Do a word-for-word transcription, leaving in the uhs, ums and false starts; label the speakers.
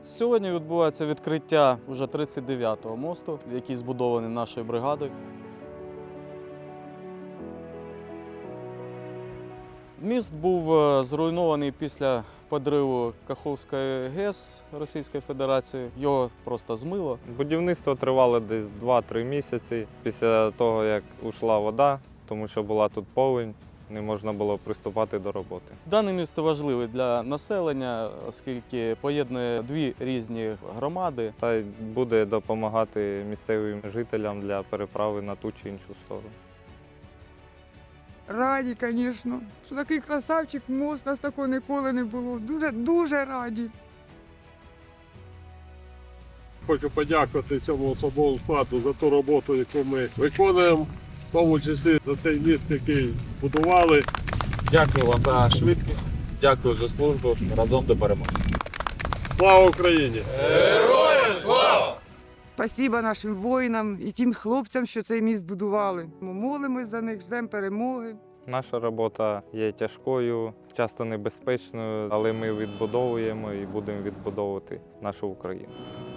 Speaker 1: Сьогодні відбувається відкриття вже тридцять дев'ятого мосту, який збудований нашою бригадою. Міст був зруйнований після підриву Каховської ГЕС Російської Федерації. Його просто змило.
Speaker 2: Будівництво тривало десь два-три місяці після того, як ушла вода, тому що була тут повінь, не можна було приступати до роботи.
Speaker 1: Дане місто важливе для населення, оскільки поєднує дві різні громади.
Speaker 2: Та й буде допомагати місцевим жителям для переправи на ту чи іншу сторону.
Speaker 3: Раді, звісно, що такий красавчик мост, у нас такого ніколи не було. Дуже, дуже раді.
Speaker 4: Хочу подякувати цьому особовому складу за ту роботу, яку ми виконуємо, в тому числі за цей міст, який будували.
Speaker 5: Дякую вам за швидкість, дякую за службу. Разом до перемоги.
Speaker 4: Слава Україні!
Speaker 3: Спасибо нашим воїнам і тим хлопцям, що цей міст будували. Ми молимось за них, ждемо перемоги.
Speaker 2: Наша робота є тяжкою, часто небезпечною, але ми відбудовуємо і будемо відбудовувати нашу Україну.